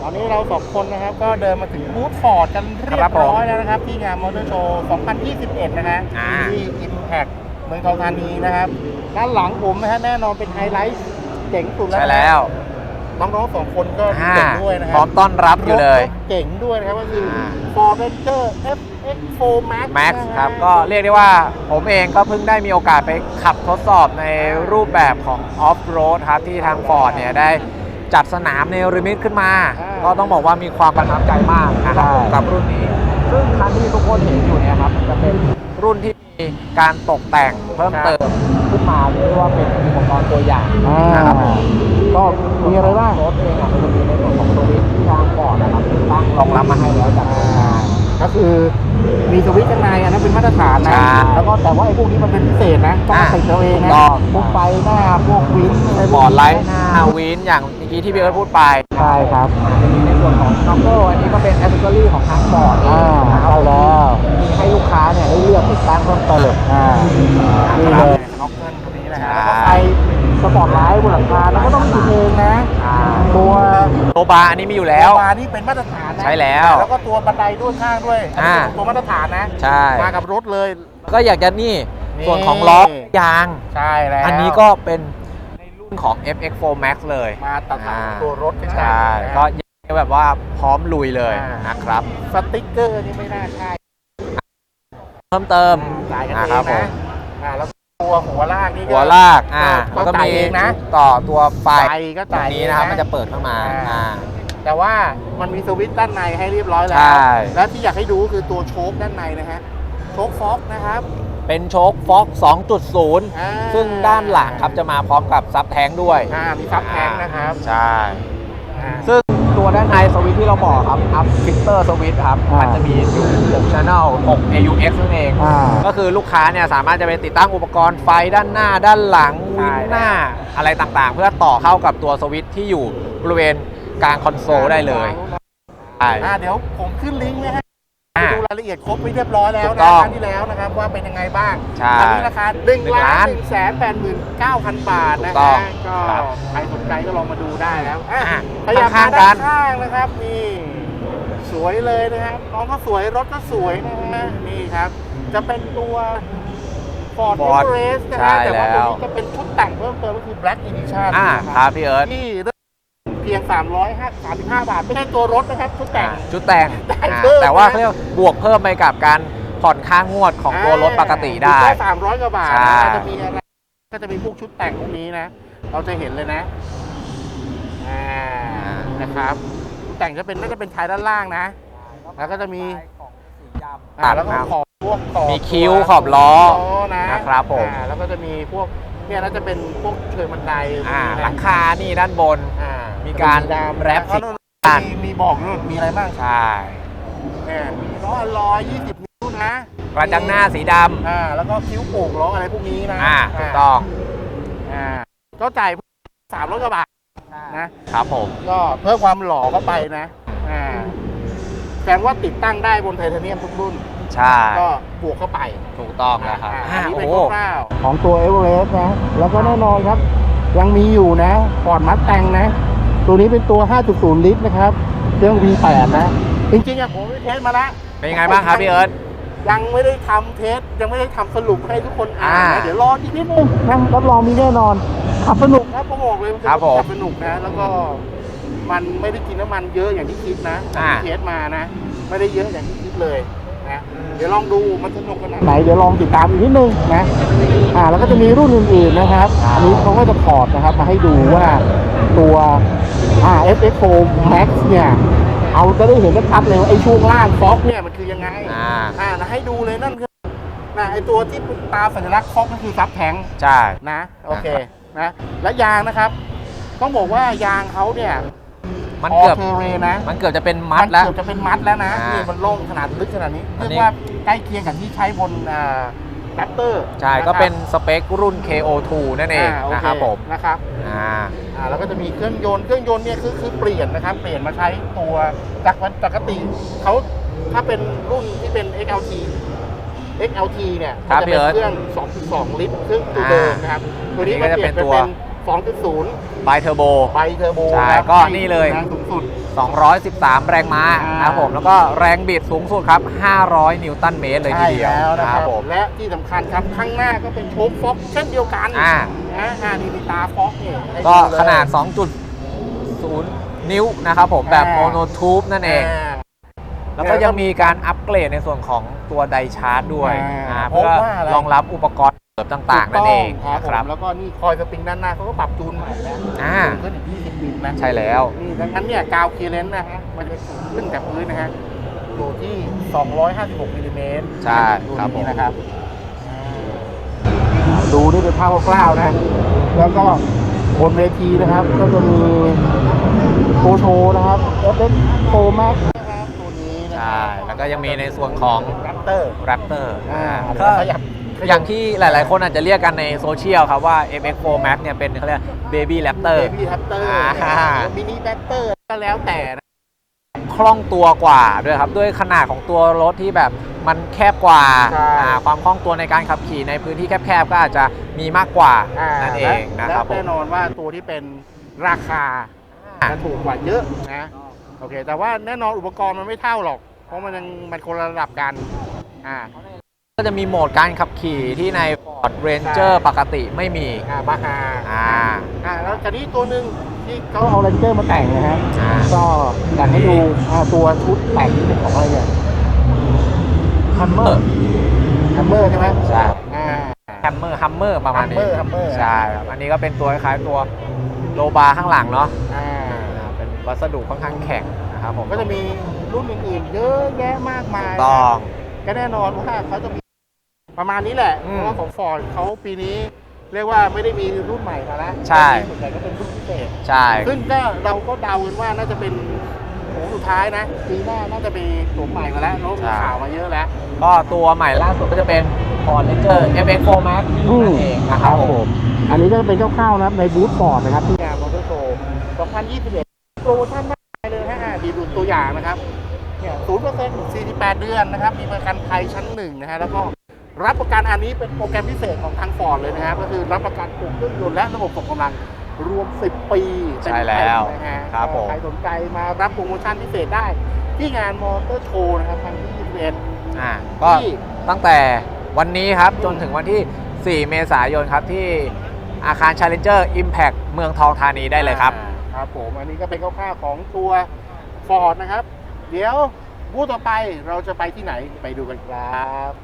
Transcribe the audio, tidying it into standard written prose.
ตอนนี้เราสองคนนะครับก็เดินมาถึงบูธฟอร์ดกันเรียบร้อยแล้วนะครับที่งานมอเตอร์โชว์ 2021 นะฮะที่ Impact เมืองทองธานีนะครับด้านหลังผมนะฮะแน่นอนเป็นไฮไลท์เจ๋งสุดแล้วใช่แล้วน้องๆสองคนก็เก่งด้วยนะครัพร้อมต้อนรับอยู่เลยเก่งด้วยนะครับก็คือ Ford Ranger FX4 Max ครับก็เรียกได้ว่าผมเองก็เพิ่งได้มีโอกาสไปขับทดสอบในรูปแบบของออฟโรดครับที่ทาง Ford เนี่ยได้จัดสนามเนลิมิตขึ้นมาก็ต้องบอกว่ามีความประทับใจมากนะครับกับรุ่นนี้ซึ่งคันที่ทุกคนเห็นอยู่เนี่ยครับจะเป็นรุ่นที่มีการตกแต่งเพิ่มเติมขึ้นมาเรียกว่าเป็นอุปกรณ์ตัวอย่างนะครับก็มีอะไรบ้างรถเองมันจะมีในส่วนของสวิตช์ที่ทางฟอร์ดนะครับตั้งรองรับมาให้แล้วจากก็คือมีสวิตช์ข้างในอันนั้นเป็นมาตรฐานนะแล้วก็แต่ว่าไอ้พวกนี้มันเป็นพิเศษนะต้องติดเอาเองนะพวกไฟหน้าพวกวินบอร์ดไลท์หน้าวินอย่างเมื่อกี้ที่พี่เอิร์ธพูดไปใช่ครับจะมีในส่วนของน็อกเกิลอันนี้ก็เป็นแอคเซสซอรี่ของทางฟอร์ดใช่แล้วมีให้ลูกค้าเนี่ยได้เลือกติดตั้งเพิ่มเติมนี่เลยน็อกเกิลตัวนี้นะฮะแล้วก็ไฟสปอร์ตไลท์บนหลังคาแล้วก็ต้องติดเองนะตัวบาร์อันนี้มีอยู่แล้วบาร์นี่เป็นมาตรฐานนะใช่แล้วแล้วก็ตัวบันไดด้วยข้างด้วยตัวมาตรฐานนะใช่มากับรถเลยก็อยากจะนี่ส่วนของล้อยางใช่แล้วอันนี้ก็เป็นในรุ่นของ FX4 Max เลยมาตัดตัวรถใช่ก็แบบว่าพร้อมลุยเลยนะครับสติ๊กเกอร์นี่ไม่น่าใช่เพิ่มเติมนะครับผมแล้วตัวหัวลากนี่หัวลากแล้วก็มีนะต่อตัวไฟก็จ่ายนี้นะครับมันจะเปิดเข้ามาแต่ว่ามันมีสวิตช์ด้านในให้เรียบร้อยแล้วและที่อยากให้ดูคือตัวโชคด้านในนะฮะโชคฟ็อกนะครับเป็นโชคฟ็อก 2.0 ซึ่งด้านหลังครับจะมาพร้อมกับซับแท้งด้วยมีซับแท้งนะครับใช่ซึ่งตัวด้านในสวิตช์ที่เราบอกครับอัพฟิลเตอร์สวิตช์ครับมันจะมีอยู่6 Channel 6 AUX นั่นเองก็คือลูกค้าเนี่ยสามารถจะไปติดตั้งอุปกรณ์ไฟด้านหน้าด้านหลังวินหน้าอะไรต่างๆเพื่อต่อเข้ากับตัวสวิตช์ที่อยู่บริเวณกลางคอนโซลได้เลยเดี๋ยวผมขึ้นลิงก์ไว้ให้ดูรายละเอียดครบไปเรียบร้อยแล้วนะครั้งที่แล้วนะครับว่าเป็นยังไงบ้างตอนนี้ราคา1,189,000 บาทนะฮะก็ใครสนใจก็ลองมาดูได้แล้วพยายามมาด้านข้างนะครับนี่สวยเลยนะครับน้องก็สวยรถก็สวยนะฮะนี่ครับจะเป็นตัว Ford Everest นะฮะแต่ว่าตัวนี้จะเป็นชุดแต่งเพิ่มเติมก็คือ Black Edition ครับพี่เอิร์ธที่เพียง335 บาทไม่ใช่ตัวรถนะครับชุดแต่งแต่ว่าเขาเรียกบวกเพิ่มไปกับการผ่อนค่างวดของตัวรถปกติได้แค่300 กว่าบาทจะมีอะไรก็จะมีพวกชุดแต่งพวกนี้นะเราจะเห็นเลยนะนะครับชุดแต่งจะเป็นน่าจะเป็นท้ายด้านล่างนะแล้วก็จะมีแล้วก็ขอบพวกมีคิ้วขอบล้อนะครับผมแล้วก็จะมีพวกเนี่ยน่าจะเป็นพวกเชิงบันไดหลังคานี่ด้านบนมีการแรปสีมีบอกด้วยมีอะไรบ้างใช่มีล้อลอย20 นิ้วนะกระจังหน้าสีดำแล้วก็คิ้วโป่งล้ออะไรพวกนี้นะถูกต้องก็จ่าย300 กว่าบาทนะครับผมก็เพิ่มความหล่อเข้าไปนะแสดงว่าติดตั้งได้บนไทเทเนียมทุกรุ่นใช่ก็บวกเข้าไปถูกต้องนะครับอันนี้เป็นคร่าวๆของตัว Everest นะแล้วก็แน่นอนครับยังมีอยู่นะ Ford Mustang นะตัวนี้เป็นตัว 5.0 ลิตรนะครับเครื่อง V8 นะจริงๆผมไปเทสมาแล้วเป็นยังไงบ้างครับพี่เอิร์ธยังไม่ได้ทำเทสยังไม่ได้ทำสรุปให้ทุกคนอ่านนะเดี๋ยวรออีกนิดนึงนะรับรองมีแน่นอนขับสนุกนะผมบอกเลยขับสนุกนะแล้วก็มันไม่ได้กินน้ำมันเยอะอย่างที่คิดนะเทสมานะไม่ได้เยอะอย่างที่คิดเลยนะเดี๋ยวลองดูมันสนุกขนาดไหนเดี๋ยวลองติดตามอีกนิดนึงนะแล้วก็จะมีรุ่นอื่นๆนะครับอันนี้เขาก็จะถอดนะครับมาให้ดูว่าตัวFX4 Max เนี่ยเอาจะได้เห็นชัดเลยว่าไอ้ช่วงล่างฟ็อกเนี่ยมันคือยังไงนะให้ดูเลยนั่นคือไอ้ตัวที่ตาสัญลักษณ์ฟ็อกก็คือซับแทงใช่นะโอเคนะและยางนะครับต้องบอกว่ายางเขาเนี่ยมันเกือบจะเป็นมัดแล้วนะนี่มันโล่งขนาดลึกขนาดนี้เรียกว่าใกล้เคียงกับที่ใช้บนแรปเตอร์ใช่ก็เป็นสเปครุ่น KO2 นั่นเองนะครับผมนะครับแล้วก็จะมีเครื่องยนต์เนี่ยคือเปลี่ยนนะครับเปลี่ยนมาใช้ตัวจากปกติเขาถ้าเป็นรุ่นที่เป็น XLT เนี่ยจะเป็นเครื่อง 2.2 ลิตรเครื่องตัวเดิมนะครับตัวนี้ก็เปลี่ยนเป็น 2.0 ไบเทอร์โบไบเทอร์โบใช่ครับก็นี่เลยแรงสูงสุด 213 แรงม้านะครับผมแล้วก็แรงบิดสูงสุดครับ 500 นิวตันเมตรเลยทีเดียวใช่แล้วนะนะคครัรับบผมและที่สำคัญครับข้างหน้าก็เป็นโชคฟ็อกเช่นเดียวกันนี่มีตาฟ็อกเนี่ยให้ก็เลยขนาด 2.0 นิ้วนะครับผมแบบโมโนทูบนั่นเอง แล้วก็ยังมีการอัปเกรดในส่วนของตัวไดชาร์จด้วยเพื่อรองรับอุปกรณ์เสริมต่างๆ นั่นเองครับนะครับแล้วก็นี่คอยสปริงด้านหน้าเขาก็ปรับจูนใหม่แล้วจูนขึ้นอีก20มิลนะใช่แล้วนี่ดังนั้นเนี่ยกาวเคเลนนะฮะมันจะสูงขึ้นจากพื้นนะฮะอยู่ที่ 256มิลลิเมตรใช่ครับผมนะครับดูนี่เป็นภาพคร่าวๆนะแล้วก็บนเวทีนะครับ ก็จะมีโชว์นะครับ FX Pro Max นะครับตัวนี้นะใช่แล้วก็ยังมีในส่วนของ Raptor Raptor ก็ก็อย่างที่หลายๆ คนอาจจะเรียกกันในโซเชียลครับว่า FX4 Max เนี่ยเป็นเขาเรียก Baby Raptor Baby Raptor มินิ Raptor ก็แล้วแต่นะคล่องตัวกว่าด้วยครับ ด้วยขนาดของตัวรถที่แบบมันแคบกว่าใช่ความคล่องตัวในการขับขี่ในพื้นที่แคบๆ ก็อาจจะมีมากกว่านั่นเองนะครับผและมแน่นอนว่าตัวที่เป็นราคาจะถูกกว่าเยอะนะโอเค แต่ว่าแน่นอนอุปกรณ์มันไม่เท่าหรอก เพราะมันคนละระดับกันก็จะมีโหมดการขับขี่ที่ใน Ford Ranger ปกติไม่มีบาฮาอ่าแล้วจากนี้ตัวหนึ่งที่เขาเอาเรนเจอร์มาแต่งนะฮะอ่าก็อยากให้ดูตัวชุดแต่งที่เป็นของอะไรเนี่ยฮัมเมอร์ใช่ไหมใช่อ่าฮัมเมอร์ประมาณนี้ Hummer ใช่ครับอันนี้ก็เป็นตัวคล้ายๆตัวโลบาร์ข้างหลังเนาะอ่าเป็นวัสดุค่อนข้างแข็งนะครับผมก็จะมีรุ่นอื่นๆเยอะแยะมากมายต้องก็แน่นอนว่าเขาจะมีประมาณนี้แหละอืเพมราะว่าของฟอร์ดเขาปีนี้เรียกว่าไม่ได้มีรุ่นใหม่มาแล้วใช่ส่วนใหญ่ก็เป็นรุ่นพิเศษใช่ซึ่งก็เราก็เดากันว่าน่าจะเป็นโค้งสุดท้ายนะปีหน้าน่าจะมีตัวใหม่มาแล้วมีข่าวมาเยอะแล้วก็ตัวใหม่ล่าสุดก็จะเป็น Ford Ranger FX4 Max นั่นเองนะครับผมอันนี้ก็จะเป็นคร่าวๆนะในบูธฟอร์ดนะครับที่งานมอเตอร์โชว์2021โปรโมชั่นมากมายเลยฮะดีดูตัวอย่างนะครับเนี่ย 0% 48 เดือนนะครับ มีประกันภัยชั้นหนึ่งนะฮะแล้วก็รับประกันอันนี้เป็นโปรแกรมพิเศษของทางฟอร์ดเลยนะครับก็คือรับประกันปลูกเครื่องยนต์และระบบส่งกำลังรวม 10 ปีใช่แล้วนะฮะครับผมใครสนใจมารับโปรโมชั่นพิเศษได้ ที่งานมอเตอร์โชว์นะครับครั้งที่21 ก็ตั้งแต่วันนี้ครับจนถึงวันที่ 4 เมษายนครับที่อาคาร Challenger Impact เมืองทองธานีได้เลยครับครับผมอันนี้ก็เป็นคร่าวๆของตัว Ford นะครับ เดี๋ยวบูธต่อไปเราจะไปที่ไหนไปดูกันครับ